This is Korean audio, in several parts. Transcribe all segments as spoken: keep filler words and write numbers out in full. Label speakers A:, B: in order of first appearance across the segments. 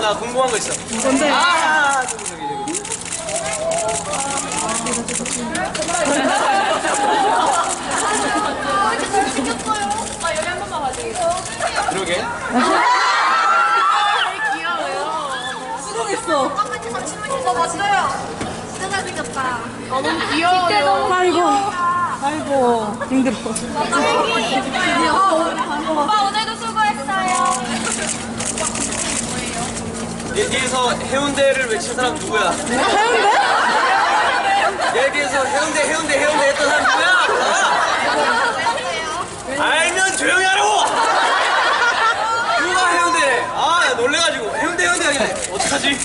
A: 나 궁금한 거 있어.
B: 뭔데?
A: 아, 저기, 저기, 저기.
C: 아, 여기 한 번만 봐주세요.
A: 그러게.
C: 귀여워요.
B: 수고했어.
C: 똑같이 삼십만에서 봤어요. 진짜 잘생겼다. 아, 너무
B: 귀여워요. 아이고. 아이고. 힘들어.
C: 오빠 오늘도 수고했어요.
A: 얘 뒤에서 해운대를 외친 사람 누구야?
B: 해운대?
A: 얘 뒤에서 해운대, 해운대, 해운대 했던 사람 누구야? 아, 알면 조용히 하라고! 누가 해운대래? 아, 야, 놀래가지고. 해운대, 해운대 하길래. 어떡하지?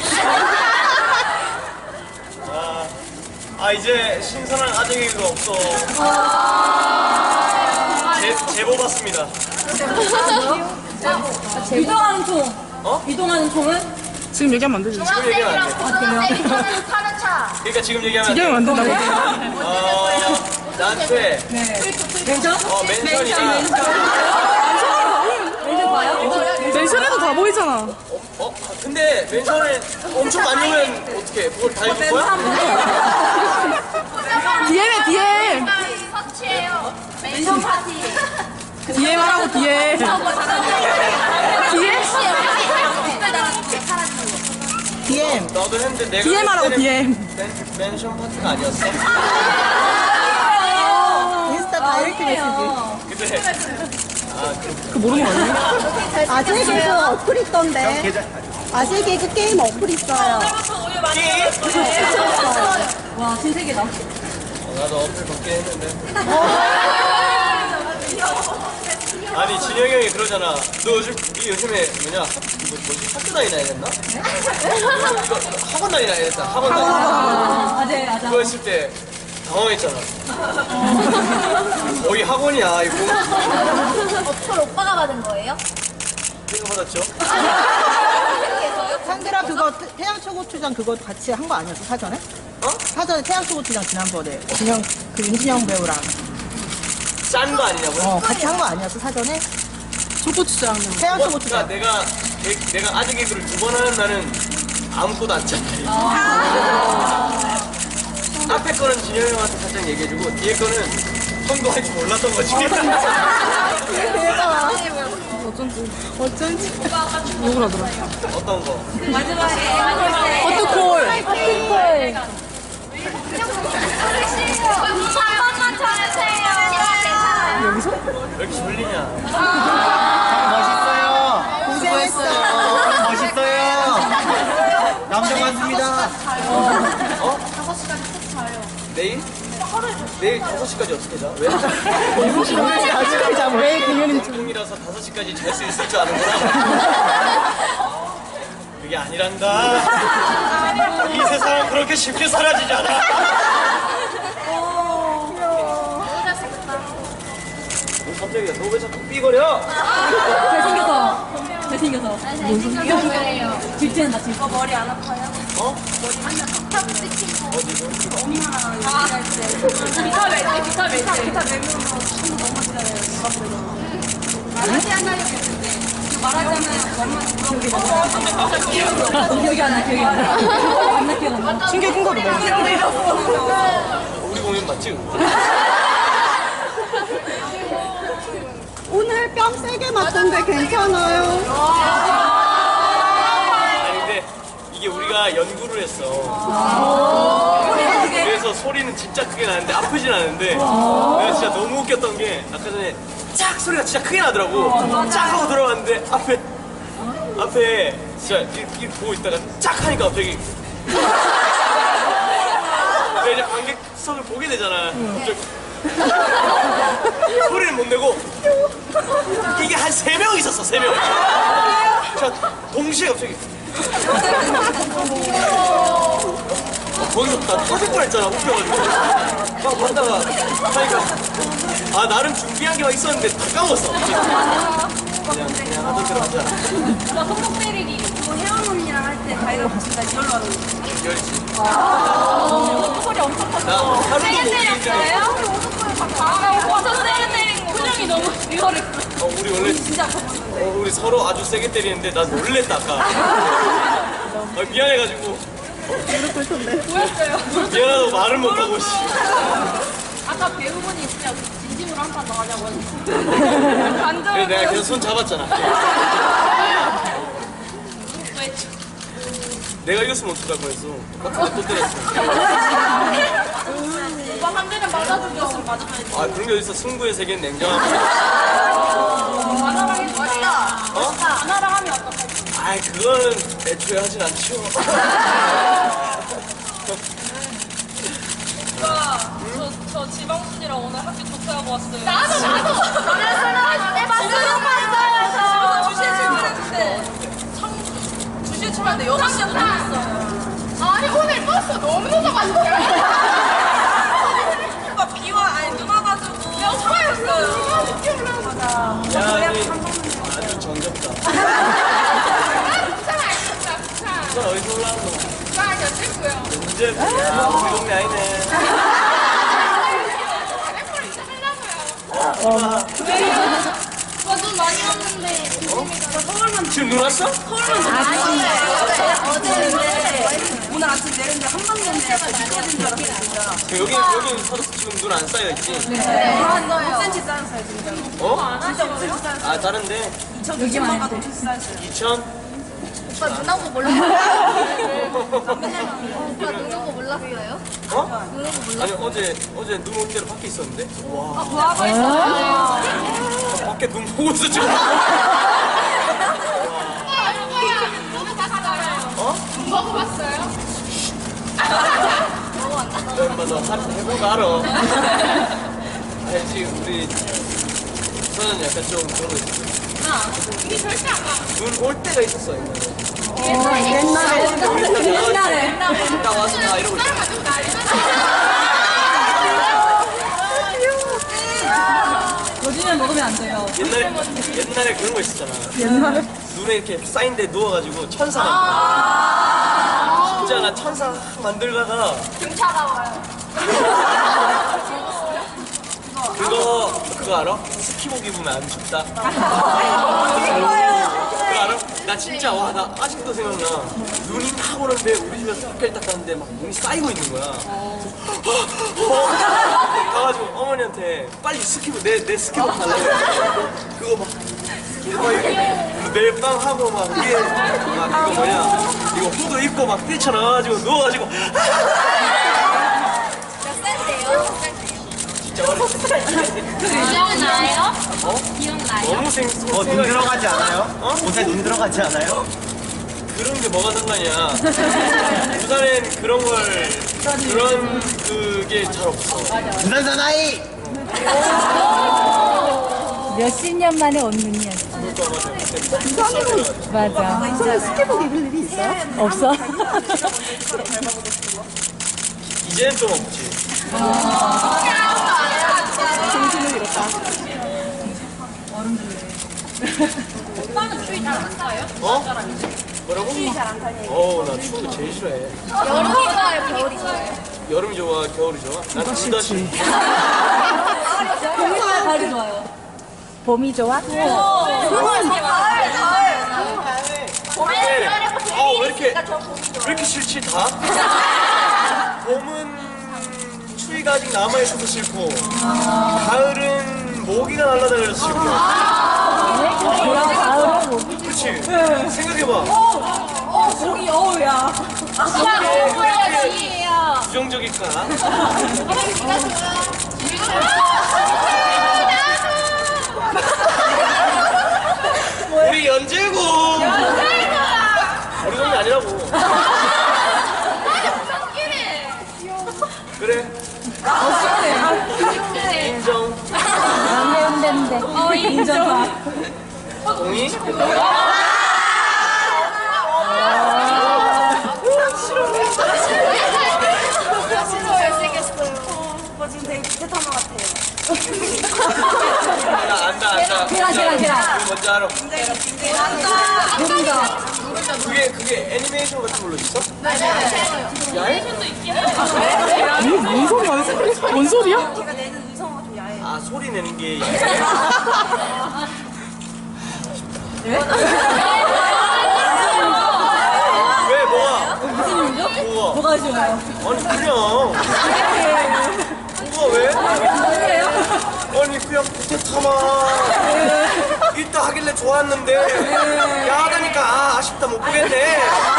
A: 아, 아, 이제 신선한 아재개그가 없어. 제, 제보 받습니다.
B: 이동하는 총.
A: 어?
B: 이동하는 총은? 지금 얘기하면 안 되지.
A: 지금 얘기하면 안 돼.
C: 중학생이랑 파는 차.
A: 그러니까 지금 얘기하면 안 돼.
B: 얘기하면 안 된다고?
A: 어, 나한테
B: 멘션?
A: 어, 멘션이다.
B: 멘션 봐요? 멘션에도 다 보이잖아.
A: 어? 어? 근데 멘션을 엄청 많이 오면 어떡해? 그걸 다 입을 거야?
B: 디엠에 디엠.
C: 서치예요. 멘션 파티.
B: 디엠 하라고 디엠. 디엠? 디엠.
A: 나도 했는데 내가
B: 디엠 하라고
A: 했을 때는
B: 디엠.
A: 멘- 멘션 파티가 아니었어.
B: 인스타 다이렉트 메시지.
A: 근데
B: 그 모르는 거 아니야?
D: 아재 개그 어플 있던데. 아재 개그 게임 어플 있어요.
B: 와 신세계다.
A: 어, 나도 어플 받긴 했는데. 아니 진영이 형이 그러잖아. 너 요즘 이 요즘에 뭐냐? 뭐, 뭐지? 학교 다니나 이랬나? 이거 학원 다니나 이랬다. 학원 다니나.
B: 아재 아재.
A: 그거 했을 때 당황했잖아. 거의 학원이야 이거.
C: 어플 오빠가 받은 거예요?
A: 내가 받았죠.
D: 상들아 그거 태- 태양초고추장 그거 같이 한 거 아니었어 사전에?
A: 어?
D: 사전에 태양초고추장 지난번에 진영 그 윤진영 배우랑
A: 짠 거 아니냐고요?
D: 어 같이 한 거 아니었어 사전에?
B: 초고추장.
A: 뭐, 그러니까
D: 태양초고추장.
A: 내가 내, 내가 아재 개그를 두 번 하는 날은 아무것도 안 짰다. 앞에 거는 진영이 형한테 살짝 얘기해주고 뒤에 거는 형도 할 줄 몰랐던 거지.
D: 대박.
B: 어쩐지.
D: 어쩐지.
B: 욕을 하더라.
A: 어떤 거?
B: 어떡콜.
C: 한 번만 쳐주세요.
B: 여기서?
A: 왜 이렇게 졸리냐?
E: 멋있어요.
D: 고생했어.
E: 멋있어요. 남자 많습니다.
A: 어? 내일? 내일 다섯 시까지 어떻게 자? 왜?
D: 아직까지 잠 왜 공연인 줄.
A: 공이라서 다섯 시까지 잘 수 있을 줄 아는구나. 그게 아니란다. 이 세상은 그렇게 쉽게 사라지지 않아. 뭐 갑자기 너 왜 자꾸 삐거려?
B: 잘생겨서. 잘생겨서.
C: 잘생겼어요.
B: 질투한다 질투.
C: 머리 안 아파요?
A: 어?
C: 탑 찍힌 거.
A: 어디서?
C: 아, 기타 멜트, 기타 멜트. 기타 멜트. 말하지 않아요. 말하지 않아요.
B: 기억이 안 나, 기억이 안 나. 안나 기억 안 나.
D: 충격 큰 거도
A: 우리 공연 맞지?
D: 오늘 뺨 세게 맞던데 괜찮아요?
A: 아니 근데 이게 우리가 연구를 했어. 그래서 소리는 진짜 크게 나는데 아프진 않은데 내가 진짜 너무 웃겼던 게 아까 전에 짝 소리가 진짜 크게 나더라고. 짝 하고 들어왔는데 앞에 앞에 진짜 이렇게 보고 있다가 짝 하니까 갑자기 내가 이제 관객석을 보게 되잖아. 갑자기 소리를 못 내고 이게 한 세 명 있었어. 세 명. 자 동시에 갑자기 어, 거기서 나 터질 뻔했잖아. 웃겨가지고 막 봤다가 하니까 아 나름 준비한 게 막 있었는데 다 까먹었어. 그냥 그냥 하던 대로 하자.
C: 나 손목 때리기. 그거 혜원 언니랑 할 때 가위바위보 진짜 이걸로 하는 거.
A: 열지.
C: 소리 엄청 컸어.
A: 나 하루도 못
C: 세게
A: 이기는
C: 때렸어요? 아, 오빠 저 세게 때린 거. 표정이 너무 이거를.
A: 어, 우리 원래
C: 진짜 아팠는데.
A: 어, 우리 서로 아주 세게 때리는데 난 놀랬다 아까. 아, 미안해가지고
C: 보였어요.
A: 미안하다고 말을 못하고 씨.
C: 아까 배우분이 진짜 진심으로 한 판 더 하자고 했는데.
A: 그래,
C: 간절히
A: 내가 계속 손 잡았잖아. 내가 이겼으면 어떡할 뻔했어. 똑같은 거또 때렸어.
C: 오빠 한 대는 맞아주셨으면 맞아줘야지.
A: 아 그런 게 어딨어. 승부의 세계는 냉정함.
C: 만화랑 해도 멋있다.
A: 어?
C: 만화랑 하면 어떡해?
A: 아이 그거는 애초에 하진 않죠.
F: 오빠, 저, 저 지방순이랑 오늘 학교 조퇴하고 왔어요.
C: 나도 나도. 내 맞아요. 맞아요.
F: 두 시에 출발했는데, 청, 두 시에 출발했는데 여섯 시에 도착했어요.
C: 아니 오늘 버스 너무 늦어가지고.
F: 오빠 비와, 아니 눈 와가지고. 영화였어요.
A: 야 아니 아주 정겹다. 부산 어디서 올라온 거? 이제 야 우리 동네 아니네.
C: 오빠 눈 많이 왔는데.
A: 지금 눈 왔어?
C: 오늘 아침 내렸는데 한 방 전에 약간 미끄러진 줄 알았어요 진짜.
A: 여기 여기 서로 지금 눈 안 쌓여 있지?
C: 네. 한 오 센티미터 쌓였어요 진짜.
A: 어?
C: 진짜 오 센티미터 쌓였어요.
A: 아 다른데
C: 이천만 가도 오 센티미터 쌓였어요.
A: 이천?
C: 오빠 눈 온 거 몰랐어요? 오빠 눈 온 거 몰랐어요?
A: 어? 아니 어제 어제 눈 올 때로 밖에 있었는데. 와.
C: 뭐하고 있었어요?
A: 밖에 눈 보고 있어 지금. 어?
C: 먹어봤어요?
A: 엄마 너 한 해보고 알아. 알지 우리 저는 약간 좀 그런 거 있어. 눈 올 때가 있었어.
D: 옛날에.
A: 옛날에. 딱 와서 다 이러고 있어.
B: 요즘엔 먹으면 안 돼요.
A: 옛날에 옛날에 그런 거 있었잖아.
D: 옛날에.
A: 눈에 이렇게 쌓인데 누워가지고 천사 만들. 진짜 나 천사 만들다가
C: 경찰 나와요.
A: 그거 그거 알아? 스키복 입으면 안 춥다. 그거 알아? 나 진짜 와 나 아직도 생각나. 눈이 막 오는데 우리 집에서 학교를 딱 갔는데 막 눈이 쌓이고 있는 거야. 가가지고 어머니한테 빨리 스키복 내 내 스키복 달라고 해서 그거 막 막 매일 밤 하고 막 위에 막 이거 뭐냐 이거 후드 입고 막 뛰쳐나와가지고 누워가지고 진짜 어렸을 때
C: 기억나요?
A: 어?
C: 기억나요?
A: 너무 생
E: 어, 눈 들어가지 않아요?
A: 어?
E: 옷에 눈 들어가지 않아요?
A: 그런 게 뭐가 상관이야. 부산엔 그런 걸 그런 그게 잘 없어.
E: 부산 사나이!
B: 몇십 년 만에 온 눈이었어.
A: 그러니까 맞아.
B: 맞아.
D: 이성이 스케복 입을 일이 있어요?
B: 없어?
A: 이제는 좀 없지.
D: 정신을 잃었다.
C: 오빠는 추위 잘 안 타요?
A: 어? 뭐라고?
C: 추위 잘 안 타요.
A: 어우 나 추운 거 제일 싫어해.
C: 여름이 좋아요? 겨울이 좋아요?
A: 여름이 좋아, 겨울이 좋아? 난 둘 다 싫어.
B: 봄이 좋아요, 가을이 좋아요? 봄이 좋아?
C: 가을, 가을.
A: 근데 아왜 이렇게 왜 이렇게 싫지 다? 봄은 추위가 아직 남아 있어서 싫고, 가을은 모기가 날아다녀서 싫고.
B: 뭐야, 가을은 뭐.
A: 그렇지. 생각해봐.
B: 어, 목이 어우야.
A: 부정적일까? 우리 연재고. 우리 동네 아니라고. 그래. 인정.
B: 남의 운대인데. 어, 인정하.
A: 동의?
C: 오빠 지금 되게 비슷한 것 같아요.
A: 나 안다 안다.
B: 계란, 계란, 계란.
A: 그거 뭔지 알아?
B: 노른자.
A: 그게 그게 애니메이션 같은 걸로 있어?
B: 뭔 소리야? 뭔 소리야?
C: 제가 내는 의성어가 좀 야해요.
A: 아 소리 내는 게. 왜 뭐가?
B: 무슨 일이죠?
A: 뭐가?
B: 뭐가 좋아요?
A: 아니 그냥 뭐가 왜?
B: 뭐예요?
A: 아니 그냥 부탁하마 이따 하길래 좋았는데 야 하다니까 아, 아쉽다 못 보겠네.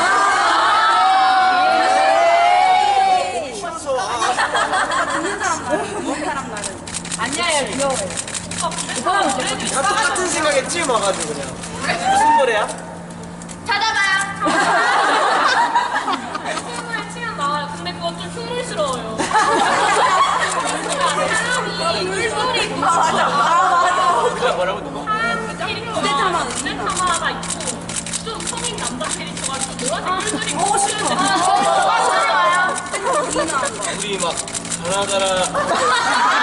A: 싫어서 아, 아쉽다.
B: 아니야, 귀여워.
A: 다 똑같은 생각에 찌 와가지고 그냥. 무슨 노래야?
C: 찾아봐요.
F: 춤을 치면 나와요. 근데 그건 좀 흉물스러워요. 사람이 물소리
C: 맞아. 맞아.
A: 누가 뭐라고 누가?
F: 한 캐릭터가 무대타마가 있고 좀 성인 남자 캐릭터가 좀 노란색 물소리 보고 싶은데
A: 우리 막 가라가라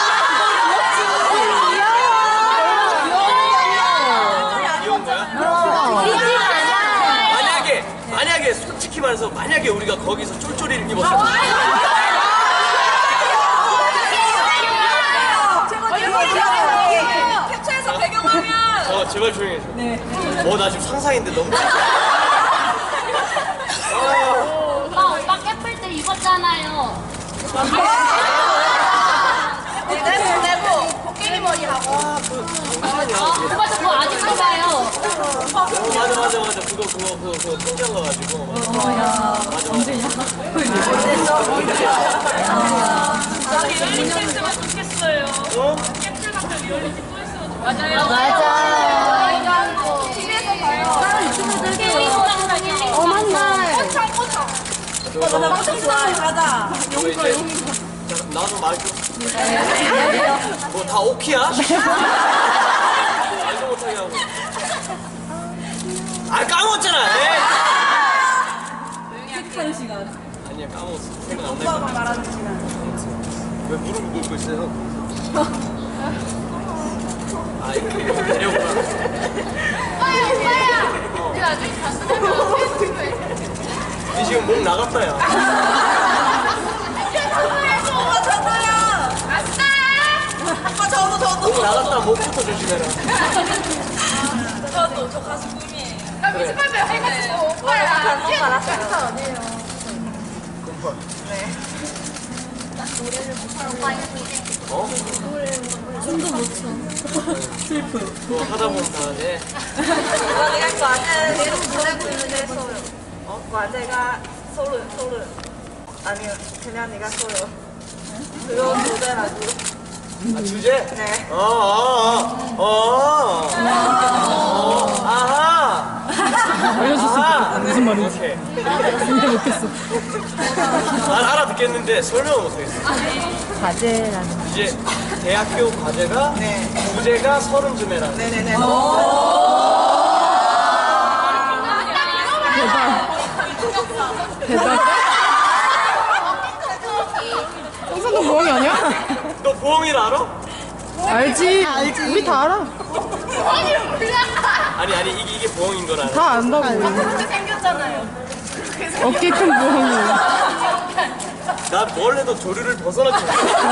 A: 귀여운 거야? 만약에 만약에 솔직히 말해서 만약에 우리가 거기서 쫄쫄이를 입었어.
F: 캡처해서 배경화면
A: 어 제발 조용히 해줘. 네. 어나 지금 상상인데 너무.
C: 오빠, 오빠 깨플 때 입었잖아요. 내부 코끼리 머리 하고.
A: 아,
C: 오빠 저 그거 아직도 봐요.
A: 어 맞아 맞아 맞아 그거 그거 그거 그거 통장 가가지고. 맞아 맞아.
F: 리얼리티 했으면 좋겠어요.
A: 어?
F: 캡슐 같은 리얼리티 또 했으면 좋겠어요.
C: 맞아요. 티비에서 봐요. 케이크랑
D: 어, 맞네.
C: 꼬창 꼬창.
A: 너, 너,
B: 깜짝 좋아해, 가자.
A: 너 이제 자, 나도 말 좀. 뭐 다 오키야? 말도 못하게 하고. 아 까먹었잖아. 에이.
B: 색다른 시간.
A: 아니야 까먹었어. 생각 안
B: 오빠가
A: 나.
B: 말하는 시간.
A: 왜 무릎을 꿇고 있어요? 아 이렇게 내려오구나.
C: 오빠야, 오빠야. 우리 나중에 가수되면 페이스북에.
A: 니 지금 목 나갔다 야.
C: 아싸!
F: 아빠 저도 저도
A: 목 나갔다 목부터 조심해라.
F: 저도 저 가수 꿈이에요.
C: 나 뮤지컬 배우 해가지고 오빠야. 이게 알았어요. 어디에요?
A: 금방.
C: 네. 나 노래를 못하는 오빠 이거
A: 어?
B: 춤도 못 춰. 슬프.
A: 그거 하다 보면 다 돼.
F: 내가 과제
C: 계속 보내고 있는데 했어요.
F: 어? 과제가 소름 소름 아니요 그냥 네가 써요. 그거 모델하고
A: 아 주제?
F: 네.
A: 어, 어, 어, 어, 어, 아하. 알려줬어. 무슨 말인지. 오케이.
B: 근데 못했어.
A: 난 알아듣겠는데 설명을 못하겠어.
B: 과제라는.
A: 이제 대학교 과제가
F: 네.
A: 부제가 서른쯤에라.
F: 네네네.
B: 대박.
D: 홍선동 모형이 아니야?
A: 너 보험일 알아?
D: 알지. 알지. 우리 다 알아.
A: 아니 아니 이게 이게 보험인 거라.
D: 다 안다고.
C: 그렇게 생겼잖아요.
D: 어깨 큰 모형이.
A: 난뭘 해도 조류를 벗어났지.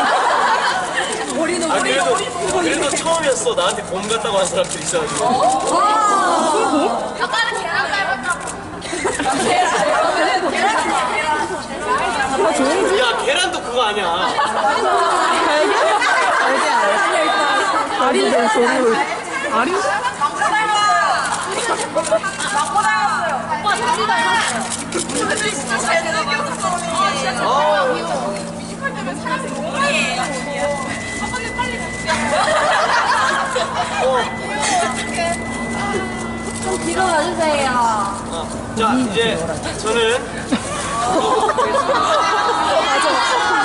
B: 머리도
A: 아
B: 머리.
A: 그래도 그래도 처음이었어. 나한테 곰 같다고 한 사람들이 있어가지고.
C: 아빠는 계란 닮았다고.
A: 야 계란도 그거 아니야.
D: 아리는 조류. 아리?
F: 망고 닮았어요.
C: 오빠 다리 닮았어요.
F: 근데 진짜 잘생겼어.
A: 아,
F: 뮤지컬 때문에 사람이 몸이에요. 아빠는 빨리 먹자.
A: 어.
C: 좀 뒤로 가주세요.
A: 아, 자 이제 저는
D: 맞아.